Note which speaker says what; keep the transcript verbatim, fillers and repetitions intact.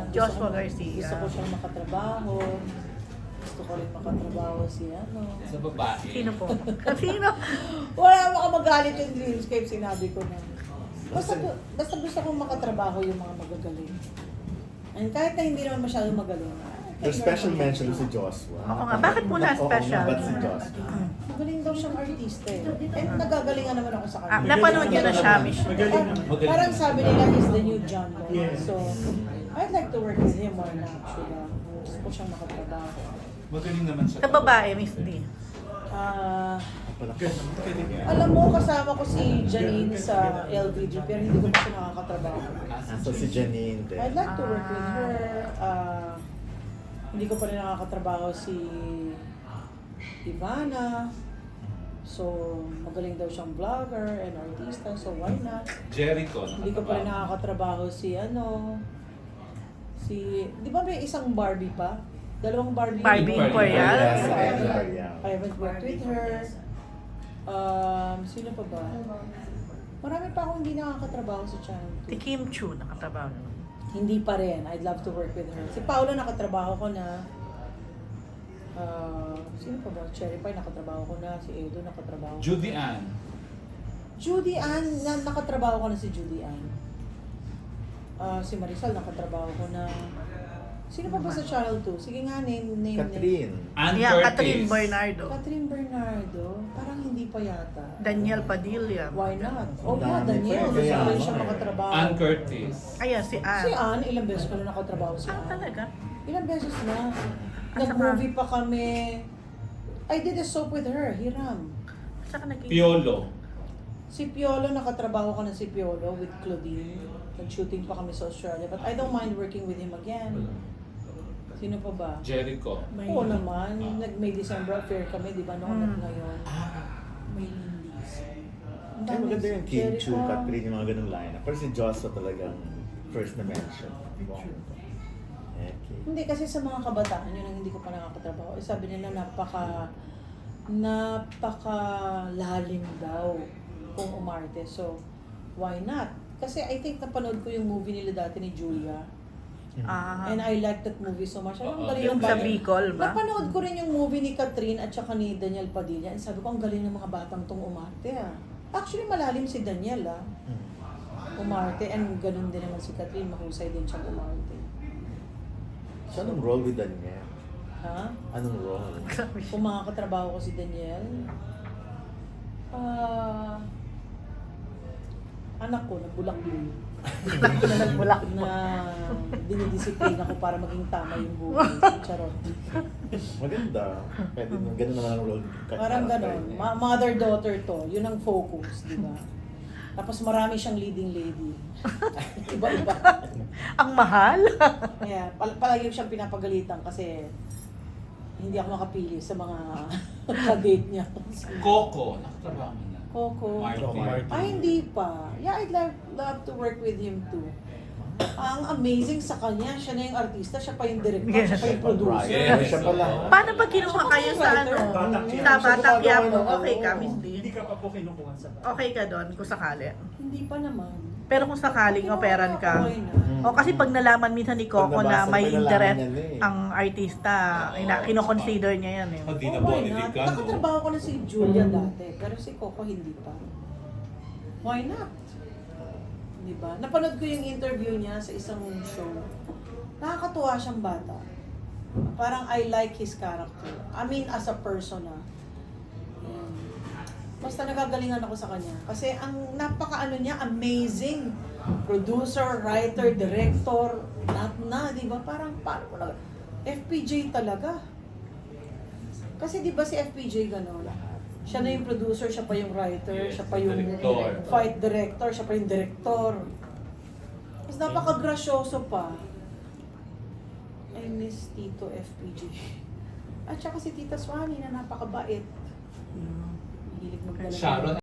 Speaker 1: gusto
Speaker 2: Joshua
Speaker 1: ko-
Speaker 2: Garcia.
Speaker 1: Gusto ko siyang makatrabaho. Gusto ko rin makatrabaho si ano.
Speaker 3: Sa babae.
Speaker 2: Sino po? Sino?
Speaker 1: Wala baka magalit yung Dreamscape, sinabi ko na. Basta, basta gusto kong makatrabaho yung mga magagaling. And kahit na hindi naman masyadong magaling.
Speaker 4: The special mention si Joshua.
Speaker 2: Oo nga, bakit mo na
Speaker 4: Oo
Speaker 2: special?
Speaker 4: nga, ba't si Joshua?
Speaker 1: Magaling daw siyang artista eh. And nagagalingan naman ako sa
Speaker 2: Ah,
Speaker 1: kanya.
Speaker 2: napanood niyo na siya, Mish.
Speaker 1: Parang, parang sabi nila he's the new John Lloyd.
Speaker 5: Yeah.
Speaker 1: So, I'd like to work with him more na actually. Gusto ko siyang makatrabaho.
Speaker 3: Magaling naman siya.
Speaker 2: Sa babae, Miss D.
Speaker 1: Ah,
Speaker 5: Galing.
Speaker 1: alam mo, kasama ko si Janine sa L V G pero hindi ko pa siya nakakatrabaho.
Speaker 3: Ah,
Speaker 4: So si Janine din.
Speaker 1: I'd like to work with her. Ah, hindi ko pa rin nakakatrabaho si Ivana. So, magaling daw siyang vlogger and artista, so why not?
Speaker 3: Jericho.
Speaker 1: Hindi ko pa rin nakakatrabaho si ano, si, di ba may isang Barbie pa? Dalawang Barbie.
Speaker 2: Barbie
Speaker 3: Barbie
Speaker 2: Imperial?
Speaker 4: Yes,
Speaker 1: So,
Speaker 4: yes, Imperial.
Speaker 1: I haven't worked with her. Um, sino pa ba? Marami pa akong hindi nakakatrabaho sa channel.
Speaker 2: Si Kim Chu, nakatrabaho naman.
Speaker 1: Hindi pa rin. I'd love to work with her. Si Paula nakatrabaho ko na. Uh, sino pa ba? Cherry Pie nakatrabaho ko na. Si Edo nakatrabaho ko.
Speaker 3: Judy Ann.
Speaker 1: Judy Ann, na, nakatrabaho ko na si Judy Ann. Ah, si Marisol nakatrabaho ko na. Sino pa ba sa Channel two? Sige nga, name, name, name.
Speaker 4: Catherine.
Speaker 3: Ann
Speaker 2: Yeah,
Speaker 3: Curtis.
Speaker 2: Catherine Bernardo.
Speaker 1: Catherine Bernardo. Parang hindi pa yata.
Speaker 2: Daniel Padilla.
Speaker 1: Why not? Oh, yeah,
Speaker 4: Dami
Speaker 1: Daniel.
Speaker 4: pa,
Speaker 1: Gusto
Speaker 4: kaya
Speaker 1: ko rin
Speaker 4: nga
Speaker 1: siya
Speaker 4: eh.
Speaker 1: makatrabaho.
Speaker 3: Ann Curtis.
Speaker 2: Ayan, si Anne.
Speaker 1: Si Ann, ilang beses ko na nakatrabaho si
Speaker 2: Ah,
Speaker 1: Ann.
Speaker 2: talaga?
Speaker 1: Ilang beses na.
Speaker 2: Ah,
Speaker 1: Nag-movie pa kami. I did a soap with her, Hiram.
Speaker 2: Saka naging...
Speaker 3: Piolo.
Speaker 1: Si Piolo, nakatrabaho ko na si Piolo with Claudine. Nag-shooting pa kami sa Australia. But I don't mind working with him again. Sino pa ba?
Speaker 3: Jericho.
Speaker 1: Oo naman. Nag-May December affair kami, di ba? Noon
Speaker 2: Hmm.
Speaker 1: at ngayon. May Lindy's. Ang
Speaker 4: Ay,
Speaker 1: dami.
Speaker 4: maganda yung Kim
Speaker 1: Jericho.
Speaker 4: Chu, Catherine, yung mga ganung lineup. Pero si Joshua talagang first na mention. Wow. Okay.
Speaker 1: Hindi, kasi sa mga kabataan, yun ang hindi ko pa nakakatrabaho. Eh, sabi nila, napaka, napaka lalim daw kung umarte. So, why not? Kasi I think napanood ko yung movie nila dati ni Julia.
Speaker 2: Ah,
Speaker 1: And I like that movie so much. Ano, ang
Speaker 3: Oo,
Speaker 1: galing
Speaker 2: yung
Speaker 1: ng
Speaker 2: sa
Speaker 1: bata.
Speaker 2: Bicol ba?
Speaker 1: Napanood ko rin yung movie ni Catherine at saka ni Daniel Padilla. And sabi ko, ang galing ng mga batang tong umarte ah. Actually, malalim si Daniel ah. Umarte. And ganun din naman si Catherine. Mahusay din siyang umarte.
Speaker 4: So, anong role with Daniel?
Speaker 1: Ha?
Speaker 4: Anong role?
Speaker 1: Kung makakatrabaho ko si Daniel, ah, anak ko, nagbulak-bulak.
Speaker 2: Anak ko na nagbulak mo.
Speaker 1: Na dinidisiplina ko para maging tama yung buhay. Charot.
Speaker 4: Maganda. Pwede nung ganun naman ang role.
Speaker 1: Parang ganon. Ma- Mother-daughter to. Yun ang focus, di ba? Tapos marami siyang leading lady. Iba-iba.
Speaker 2: Ang mahal.
Speaker 1: Kaya pal- palagi siyang pinapagalitan kasi hindi ako makapili sa mga ka-date niya.
Speaker 3: Coco. Nakatrabaho mo na.
Speaker 1: Coco.
Speaker 3: Martin.
Speaker 1: Ay, hindi pa. Yeah, I'd love, love to work with him too. Ang amazing sa kanya, siya na yung artista, siya pa yung director,
Speaker 2: Yes.
Speaker 1: siya pa yung producer.
Speaker 3: Yes.
Speaker 4: Siya pala.
Speaker 2: Paano pag kinuha kayo sa ano?
Speaker 5: Batak
Speaker 2: Sa
Speaker 5: Quiapo.
Speaker 2: Batak Quiapo?
Speaker 1: Oo.
Speaker 2: Okay ka, Miss
Speaker 5: Hindi
Speaker 2: D?
Speaker 5: ka pa po kinukuha sa bahay.
Speaker 2: Okay ka doon kung sakali.
Speaker 1: Hindi pa naman.
Speaker 2: Pero kung sakaling operan ka,
Speaker 1: Okay na.
Speaker 2: o kasi pag nalaman minsan ni Coco
Speaker 4: Pag
Speaker 2: na
Speaker 4: nabasa,
Speaker 2: may
Speaker 4: pag nalaman
Speaker 2: interest
Speaker 4: niya na eh.
Speaker 2: ang artista,
Speaker 3: Oo.
Speaker 2: ina kino-consider niya yan eh.
Speaker 3: Hindi
Speaker 1: Oh,
Speaker 3: na
Speaker 1: why
Speaker 3: body
Speaker 1: not?
Speaker 3: ka, no?
Speaker 1: Nakatrabaho ko na si Julia dati, pero si Coco hindi pa. Why not? Di ba? Napanood ko yung interview niya sa isang show. Nakakatuwa siyang bata. Parang I like his character. I mean, as a person ah. Yan. Basta nagagalingan ako sa kanya. Kasi ang napaka-ano niya, amazing. Producer, writer, director, lahat na, di ba? Parang, paano mo na, F P J talaga. Kasi di ba si F P J gano'n? Siya na yung producer, siya pa yung writer,
Speaker 3: Yes,
Speaker 1: siya pa yung
Speaker 3: director.
Speaker 1: fight director, siya pa yung director. Mas napaka-grasyoso pa. I miss Tito F P J. At saka si Tita Swanee na napakabait. Mahilig magdala.
Speaker 3: Sharon